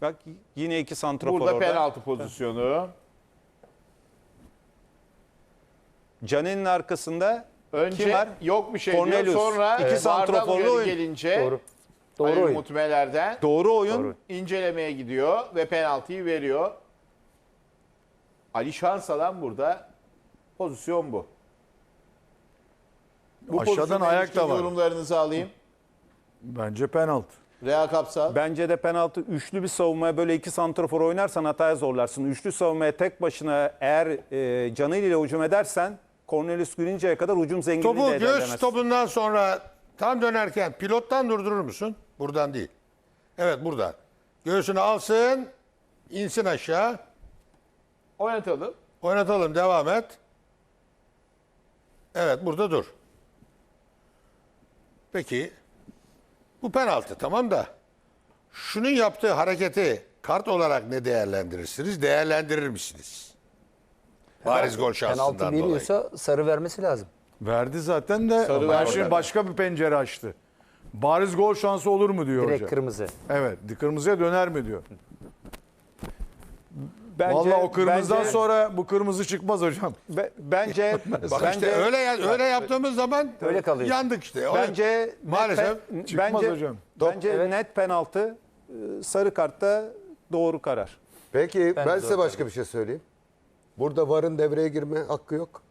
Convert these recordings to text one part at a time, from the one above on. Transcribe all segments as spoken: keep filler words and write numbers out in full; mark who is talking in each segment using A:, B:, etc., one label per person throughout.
A: Bak yine iki santrafor
B: Burada
A: orada.
B: penaltı pozisyonu.
A: Caner'in arkasında
B: Önce
A: kim var?
B: yok bir şey
A: Cornelius.
B: diyor. Sonra
A: İki
B: evet.
A: santraforlu
B: Vardan uyarı
A: oyun.
B: gelince
C: Doğru. Doğru
B: Ali
C: oyun.
B: Umut Meler'den
A: Doğru oyun.
C: Doğru.
B: incelemeye gidiyor ve penaltıyı veriyor. Ali Şansalan burada. Pozisyon bu. Bu
D: Aşağıdan
B: pozisyona
D: ayak
B: ilişkin
D: da var.
B: yorumlarınızı alayım.
D: Bence penaltı.
B: Reha Kapsal.
A: Bence de penaltı. Üçlü bir savunmaya böyle iki santrafor oynarsan hataya zorlarsın. Üçlü savunmaya tek başına eğer e, canıyla hücum edersen Cornelius Gülünceye kadar hücum zenginliği
E: Topu
A: de
E: göğüs
A: ederlemez.
E: topundan sonra tam dönerken pilottan durdurur musun? Buradan değil. Evet buradan. Göğsünü alsın, insin aşağı.
B: Oynatalım.
E: Oynatalım, devam et. Evet burada dur. Peki bu penaltı tamam da şunun yaptığı hareketi kart olarak ne değerlendirirsiniz? Değerlendirir misiniz? Bariz gol şansından
C: Penaltı
E: dolayı.
C: veriyorsa sarı vermesi lazım.
D: Verdi zaten de
B: Sarı
D: ben
B: verdi.
D: şimdi başka bir pencere açtı. Bariz gol şansı olur mu diyor
C: Direkt
D: hoca.
C: kırmızı.
D: Evet, kırmızıya döner mi diyor.
A: Bence,
D: Vallahi o kırmızıdan
A: bence,
D: sonra bu kırmızı çıkmaz hocam.
A: be- bence
E: Bak
A: bence,
E: işte öyle öyle yaptığımız zaman
C: Öyle kalıyor.
E: yandık işte. O-
A: bence
E: maalesef
A: net,
D: çıkmaz
A: bence,
D: hocam.
A: Bence
C: Evet.
A: net penaltı, e, sarı kartta doğru karar.
F: Peki ben,
C: Ben de
F: size
C: zor
F: başka bir şey söyleyeyim. Burada VAR'ın devreye girme hakkı yok.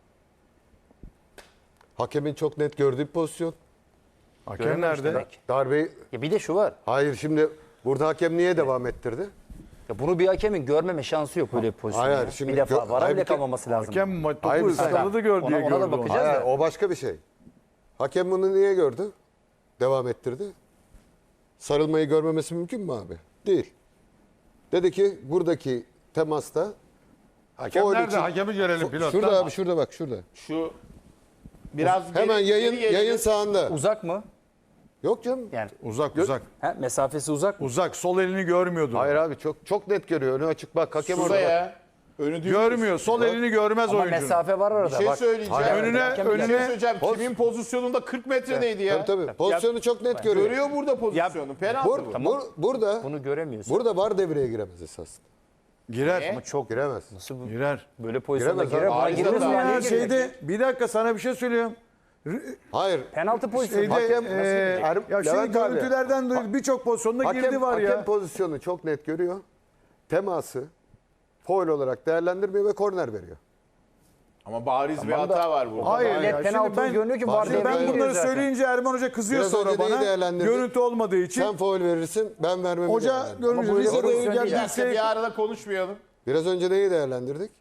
F: Hakemin çok net gördüğü bir pozisyon.
D: Hakem
C: Görememiş
D: nerede?
C: demek.
F: Darbeyi...
C: Ya bir de şu var.
F: Hayır şimdi burada hakem niye devam ettirdi?
C: Ya bunu bir hakemin görmeme şansı yok böyle bir pozisyon.
F: Hayır,
C: ya.
F: şimdi
C: bir defa
F: gö-
C: vara
F: hayır,
C: bile
F: bir ke-
C: kalmaması lazım.
D: Hakem ma-
F: Hayır,
D: topu
F: bir saniye.
D: ıskaladı gör diye
C: Ona- ona da
D: gördü onu.
C: bakacağız.
F: Hayır,
C: da.
F: o başka bir şey. Hakem bunu niye gördü? Devam ettirdi. Sarılmayı görmemesi mümkün mü abi? Değil. Dedi ki buradaki temasta
E: Hakem
F: Foul
E: nerede?
F: için-
E: Hakemi görelim pilottan.
F: şurada abi şurada bak şurada.
B: Şu biraz
F: Hemen
B: geri-
F: yayın
B: geri gelelim.
F: yayın sağında.
C: Uzak mı?
F: Yok canım.
C: Yani
D: Uzak uzak.
C: ha, mesafesi uzak mı?
D: Uzak, sol elini görmüyordu.
F: Hayır abi çok çok net görüyor. Önü açık bak hakem
B: Şurada
F: orada. Bak.
B: ya. Önü düz.
D: Görmüyor. Sol elini görmez
C: Ama
D: oyuncunun.
C: mesafe var
B: Bir
C: arada.
B: şey
C: Bak.
B: söyleyeceğim.
F: Hayır,
D: önüne-
B: Bir şey
D: önüne-
B: söyleyeceğim. Kimin pozisyonunda kırk metredeydi ya.
F: Tabii tabii. Pozisyonu çok net görüyor.
B: Görüyor burada pozisyonu. Penaltı
F: Bur,
B: bu.
F: bur- burada
C: Bunu göremiyorsun.
F: burada VAR devreye giremez esasında.
D: Girer.
B: Niye?
C: Ama çok
F: Giremez.
C: nasıl bu-
D: Girer.
C: böyle pozisyonda
F: Giremez
C: girer.
F: abi.
C: Buna
B: Arıza
C: girmez
B: da
C: mi?
B: var.
C: Yani?
D: Ya
B: Niye
D: şeyde bir dakika sana bir şey söylüyorum.
F: Hayır.
C: Penaltı pozisyonu.
D: Şeyde
F: Hakem-
D: e,
F: Er-
D: ya şey
F: Levent abi.
D: görüntülerden dolayı birçok pozisyonda
F: Hakem,
D: girdi var
F: hakem
D: ya.
F: pozisyonu çok net görüyor. Teması faul olarak değerlendirmiyor ve korner veriyor.
B: Ama bariz bir
C: Tamam da-
B: hata var burada.
D: Hayır
C: Net
D: ya. Şimdi
C: penaltı
D: ben,
C: görünüyor ki
F: Bak,
C: var
F: şimdi
D: şimdi ben
C: devreye
F: ben
C: giriyor
D: bunları
C: zaten.
D: söyleyince Erman Hoca kızıyor
F: Biraz
D: sonra
F: önce neyi
D: bana.
F: değerlendirdik?
D: Görüntü olmadığı için.
F: Sen faul verirsin, ben vermemi
D: Hoca
F: değerlendirdim.
D: görünce
C: Ama bu öyle
D: Rize'de
C: pozisyon
D: gel
C: değil.
B: Bir dakika
D: dirse-
B: bir arada konuşmayalım.
F: Biraz önce neyi değerlendirdik?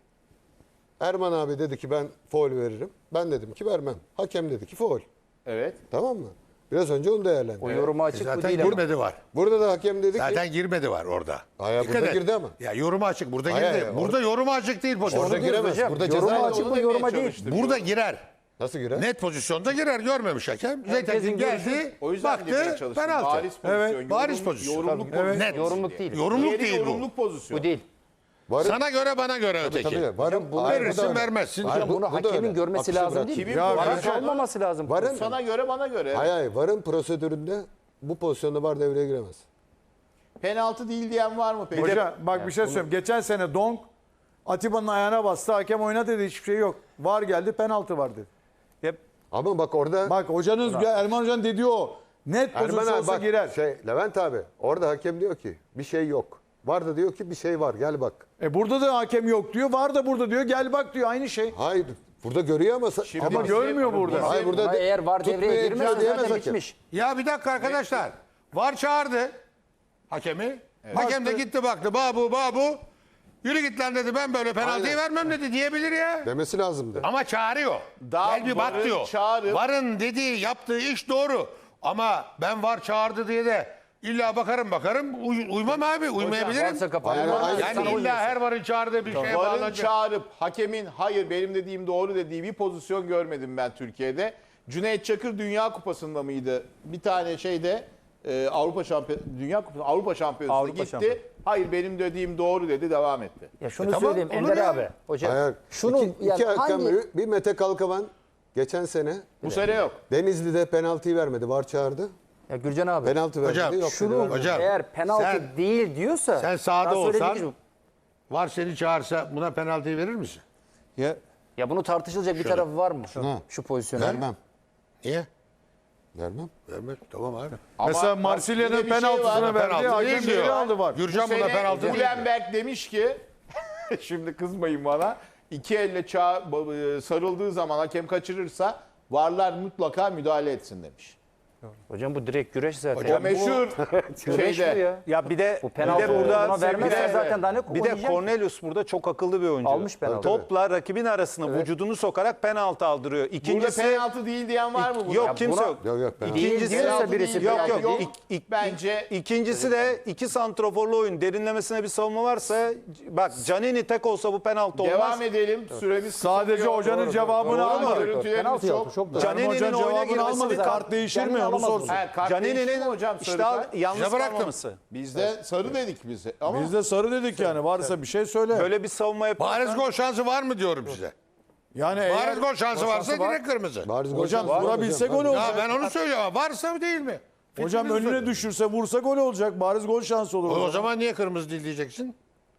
F: Erman abi dedi ki ben faul veririm. Ben dedim ki vermem. Hakem dedi ki faul.
B: Evet.
F: Tamam mı? Biraz önce onu değerlendirdik.
C: O yoruma açık bu
E: Zaten
C: değil ama.
E: girmedi var.
F: Burada da hakem dedi ki
E: Zaten girmedi var orada.
F: Hayır,
E: Dikkat
F: burada
E: et.
F: girdi ama.
E: Ya yoruma açık. Burada
F: Hayır,
E: girdi.
F: hayır,
E: burada yoruma açık değil pozisyon.
F: orada
C: Onu diyoruz
F: giremez.
C: hocam.
F: Burada
C: Yoruma
F: ceza
C: açık
B: Onu
C: bu
B: demeye
C: yoruma değil.
B: çalıştık.
E: Burada girer.
F: nasıl girer?
E: Net pozisyonda girer. Görmemiş hakem. Zaten
C: Herkesin
E: geldi.
B: O yüzden demeye
E: Baktı.
B: çalıştım.
E: Penaltı.
B: Bariz pozisyon.
D: Evet,
E: bariz
B: yorum-
E: pozisyon.
B: Yorumluk
E: Tabii.
B: pozisyon.
E: Net.
C: Yorumluk değil.
E: Yorumluk
B: Diğeri
E: değil bu.
B: yorumluk pozisyon.
C: Bu değil.
F: Varın,
E: Sana göre bana göre öteki.
F: tabii, varın,
C: bunu
F: Hayır, bu da
E: verirsin
F: öyle.
E: vermezsin.
F: Hayır,
C: Hocam
F: bu-
C: bunu
F: bu da
C: hakemin
F: öyle.
C: görmesi
F: Akışı
C: lazım
F: bırak.
C: değil mi?
B: Kimin
C: Vara
B: pozisyonu?
C: kalmaması lazım.
F: Varın,
B: Sana göre bana göre.
F: hayır, hayır, varın prosedüründe bu pozisyonda var devreye giremez.
B: Penaltı değil diyen var mı peki?
D: Hoca bak bir şey söyleyeyim. Geçen sene Donk Atiba'nın ayağına bastı. Hakem oyna dedi, hiçbir şey yok. VAR geldi, penaltı var dedi.
A: Hep
F: Ama bak orada
D: Bak hocanın Erman Hoca'nın dediği o. Net
F: Erman
D: pozisyon
F: abi
D: olsa
F: bak,
D: girer.
F: şey, Levent abi orada hakem diyor ki bir şey yok. Var da diyor ki bir şey var gel bak.
D: E burada da hakem yok diyor. VAR da burada diyor. Gel bak diyor. Aynı şey.
F: Hayır burada görüyor ama
B: Şimdi
D: Ama
B: bizim-
D: görmüyor burada.
B: bizim-
F: Hayır burada
C: Ama eğer var
F: tutmaya
C: devreye
F: imkan
C: girmezse
F: diyemez
C: zaten
F: hakem.
C: bitmiş.
E: Ya bir dakika arkadaşlar. Var çağırdı hakemi. Hakem de gitti baktı. Babu babu. Yürü git lan dedi. Ben böyle penaltıyı
F: Aynen.
E: vermem dedi diyebilir ya.
F: Demesi lazımdı.
E: Ama çağırıyor.
B: Daha
E: Gel bir bak
B: varın
E: diyor.
B: çağırıp-
E: Varın dediği yaptığı iş doğru. Ama ben var çağırdı diye de illa bakarım bakarım. Uy- uymam abi. Uymayabilirim.
C: Varsa kapalı.
F: Aynen, aynen.
E: Yani illa her varın çağırdığı bir şeye
B: Varın
E: bağlanacak.
B: çağırıp hakemin hayır benim dediğim doğru dediği bir pozisyon görmedim ben Türkiye'de. Cüneyt Çakır Dünya Kupası'nda mıydı? Bir tane şeyde e, Avrupa Şampiyon Dünya Kupası Avrupa Şampiyonası'na
A: Avrupa
B: gitti.
A: Şampiyonu.
B: Hayır benim dediğim doğru dedi devam etti.
C: Ya şunu
E: E tamam,
C: söyleyeyim
E: olur
C: Ender
E: ya.
C: abi. Hocam
F: Hayır.
C: şunu
F: iki,
C: yani
F: iki hakem,
C: hangi
F: bir Mete Kalkavan geçen sene
B: Bu sene yok.
F: Denizli'de penaltıyı vermedi. VAR çağırdı.
C: Ya Gürcan abi.
F: Penaltı verdi.
E: Hocam,
F: yok
C: Şunu
F: dedi, vermedi.
E: Hocam,
C: eğer penaltı
E: sen-
C: değil diyorsa.
E: Sen sahada
C: daha söyledik
E: olsan
C: ki-
E: var seni çağırsa buna penaltıyı verir misin?
A: Ya,
C: Ya bunu tartışılacak bir tarafı var mı?
F: Ha.
C: Şu pozisyona.
F: Vermem.
E: Niye?
F: Vermem.
E: Vermez. Tamam abi.
B: Ama
D: Mesela
B: bak,
D: Marsilya'nın
B: yine bir şey
D: penaltısını
B: var.
D: verdi.
E: Penaltı
D: Hakem
E: değil diyor.
D: geri aldı var.
E: Gürcan
B: Bu
E: buna
B: sene
E: penaltı değil.
B: Gulenberg demiş ki şimdi kızmayın bana. İki elle çağ, sarıldığı zaman hakem kaçırırsa varlar mutlaka müdahale etsin demiş.
C: Hocam bu direkt güreş zaten.
B: O meşhur
C: Güreş bu
B: şeyde.
C: ya.
A: ya bir de
C: Bu
A: bir
C: penaltı
A: de burada
C: buna
A: bir
C: vermezse
A: de,
C: zaten daha ne
A: bir de
C: oynayacak ki?
A: Cornelius burada çok akıllı bir oyuncu.
C: Almış penaltı.
A: Topla rakibin arasına vücudunu sokarak penaltı aldırıyor.
B: Burada
A: İkincisi
B: penaltı değil diyen var mı burada?
A: yok
C: Ya
A: kimse
C: buna-
A: yok.
F: Yok yok. penaltı.
C: Değil
A: İkincisi
C: diyorsa
B: penaltı
C: birisi
B: değil,
A: yok
B: penaltı
A: yok.
B: yok.
A: İk- ik-
B: Bence
A: İkincisi de iki santroforlu oyun derinlemesine bir savunma varsa bak Canini tek olsa bu penaltı olmaz.
B: devam edelim. Süremiz
D: Sadece
B: kısalıyor.
D: hocanın
B: Doğru,
D: cevabını
B: doğru.
D: alma.
B: Görüntülerimiz
C: Penaltı
B: çok.
C: yaptı, çok da.
D: Can
A: Canini'nin
D: Hoca'nın
A: oyuna
D: cevabını
A: girmesini
D: almadı.
A: kar-
D: Kart değişir mi?
C: Kendini
D: Onu
C: alamaz
D: sorsun.
C: bunu.
B: He, kart değişti mi
A: Canini'nin
B: hocam
A: işte
B: sarı
A: al-
B: kart?
A: yalnız
E: Bize bıraktım.
A: kalmaması.
B: Biz de sarı dedik bize. Ama
D: Biz de sarı dedik yani. Varsa bir şey söyle.
A: Böyle bir savunma yaparsan
E: Bariz gol şansı var mı diyorum size.
D: Yani eğer
E: Bariz gol şansı varsa
D: var.
E: direkt kırmızı.
F: Bariz gol
D: Hocam
F: şansı var
D: vurabilse
F: hocam.
D: gol
F: Tabii.
E: Ya
D: olacak.
E: ben onu söylüyorum ama varsa mı değil mi?
D: Hocam
E: Fikrinizi
D: önüne
E: söyleyin.
D: düşürse vursa gol olacak. Bariz gol şansı olur.
E: O, o zaman niye kırmızı değil diyeceksin?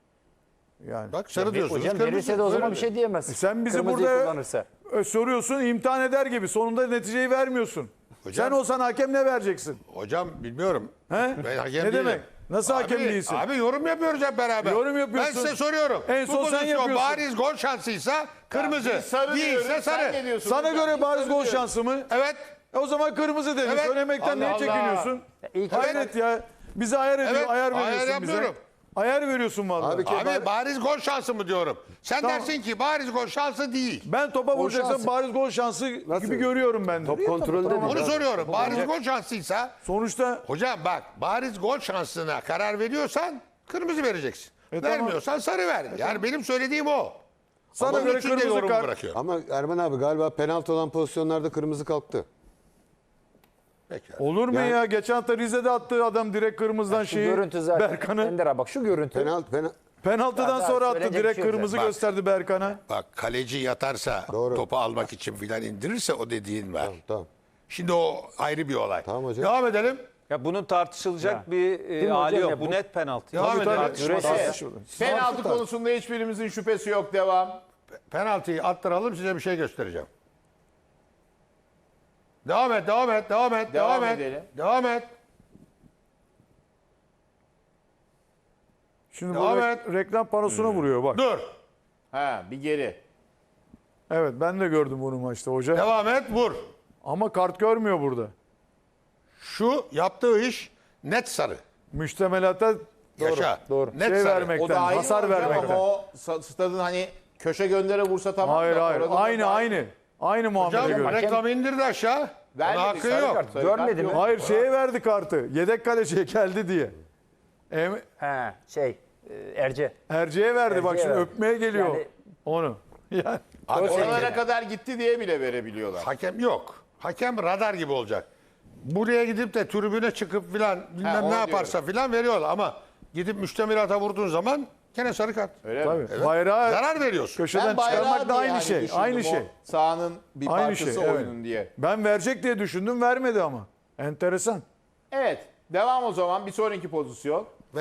D: yani.
E: Bak sarı diyorsunuz.
C: Hocam
E: kırmızı.
C: verirse de o zaman
E: Öyle
C: bir şey diyemez.
D: Sen bizi
C: Kırmızıyı
D: burada
C: kullanırsa.
D: e, soruyorsun, imtihan eder gibi. Sonunda neticeyi vermiyorsun.
E: Hocam-
D: Sen olsan hakem ne vereceksin?
E: Hocam bilmiyorum.
D: He?
E: Ben hakem
D: Ne
E: değilim.
D: demek? Nasıl hakem
E: Abi-
D: değilsin?
E: Abi yorum yapıyoruz hep beraber.
D: Yorum yapıyorsun.
E: Ben size soruyorum.
D: En son
E: Bu
D: sen
E: pozisyon
D: yapıyorsun.
E: bariz gol şansıysa kırmızı.
B: biz sarı
E: Değilse
B: diyoruz. Sen ne
E: sarı.
B: diyorsun?
D: Sana
B: hocam?
D: göre
B: Biz
D: bariz
B: sarı
D: gol
B: diyoruz.
D: şansı mı?
E: Evet.
D: E o zaman kırmızı dedin.
E: Evet.
D: Söylemekten
B: Allah
D: niye
B: Allah.
D: çekiniyorsun?
C: İlk
D: Hayret ya. Bize ayar ediyor,
E: Evet,
D: ayar
E: ayar
D: veriyorsun bize.
E: yapmıyorum.
D: Ayar veriyorsun vallahi.
F: Abi ki-
E: Abi bariz gol şansı mı diyorum. Sen
D: Tamam.
E: dersin ki bariz gol şansı değil.
D: Ben topa vuracaksam
C: şansı.
D: bariz gol şansı gibi görüyorum ben de.
C: Top kontrolünde değil.
E: Onu soruyorum. Bariz gol şansıysa
D: Sonuçta
E: hocam bak bariz gol şansına karar veriyorsan kırmızı vereceksin.
D: E tamam.
E: Vermiyorsan sarı ver. Yani benim söylediğim o.
D: sana
E: Ama
D: göre
E: için de
D: kırmızı
E: yorumu
D: kart.
E: bırakıyorum.
F: Ama Erman abi galiba penaltı olan pozisyonlarda kırmızı kalktı.
E: Peki.
D: Olur mu
F: Yani-
D: ya? Geçen hafta Rize'de attığı adam direkt kırmızıdan
C: Şu
D: şeyi
C: görüntü zaten.
D: Berkan'ı.
C: Ender abi bak şu görüntü.
F: Penaltı, penaltı.
D: Penaltıdan
C: Daha
D: sonra attı.
C: söyleyecek
D: Direkt
C: bir şey yok
D: kırmızı
E: zaten.
D: gösterdi Berkan'a.
E: Bak kaleci yatarsa
F: Doğru.
E: topu almak için filan indirirse o dediğin var.
F: Tamam.
E: Şimdi o ayrı bir olay.
F: Tamam hocam.
E: Devam edelim.
A: Ya bunun tartışılacak
C: Ya.
A: bir
C: Değil
A: e,
C: mi
A: hali
C: hocam
A: yok.
C: ya?
A: Bu
C: Bu-
A: net penaltı.
E: Devam
D: Tabii,
E: edelim.
D: tabii.
C: Güreşe-
D: Tartışılır.
B: Penaltı konusunda hiçbirimizin şüphesi yok. Devam.
E: Penaltıyı attıralım size bir şey göstereceğim. Devam et, devam et, devam et,
B: Devam
E: devam, et.
B: edelim.
E: Devam et.
D: Şimdi
E: Devam
D: bu
E: et.
D: re- reklam panosuna vuruyor bak.
E: Dur.
B: Ha bir geri.
D: Evet ben de gördüm bunu maçta hoca.
E: Devam et, vur.
D: Ama kart görmüyor burada.
E: Şu yaptığı iş net sarı.
D: Müştemelata
E: Yaşa.
C: doğru.
E: Net
D: şey
E: sarı.
D: vermekten,
B: O da ayrı
D: hasar
B: hocam
D: vermekten.
B: ama o sa- stadın hani köşe göndere vursa tamam.
D: Hayır
B: da
D: hayır.
B: orada da
D: Aynı
B: daha-
D: aynı. Aynı muamele
E: Hocam
D: görüyor.
E: reklamı indirdi aşağı. Buna
B: Vermedi,
E: hakkı
B: sarı
E: yok.
B: kart, sarı
C: Görmedi
B: kart
C: mi?
B: yok.
D: Hayır şeye verdi kartı. Yedek kaleciye geldi diye. Em
C: He şey e, Erce.
D: Erce'ye verdi bak
C: Erce'ye
D: şimdi
C: verdi.
D: öpmeye geliyor
C: Yani-
D: onu. Yani
E: Abi,
B: Oralara
E: hakem-
B: kadar gitti diye bile verebiliyorlar.
E: hakem yok. Hakem radar gibi olacak. Buraya gidip de tribüne çıkıp filan bilmem
B: onu
E: ne yaparsa filan veriyorlar ama gidip müştemilata vurduğun zaman gene sarı kart.
B: Öyle
D: tabii.
B: mi?
D: Bayrağı
E: Zarar veriyorsun.
D: köşeden
B: Ben bayrağı
D: çıkarmak da
B: diye
D: aynı
B: hani
D: şey.
B: düşündüm,
D: Aynı
B: o
D: şey.
B: Sahanın bir
D: Aynı
B: parçası
D: şey. Evet.
B: oyunun diye.
D: Ben verecek diye düşündüm vermedi ama. Enteresan.
B: Evet. Devam o zaman. Bir sonraki pozisyon.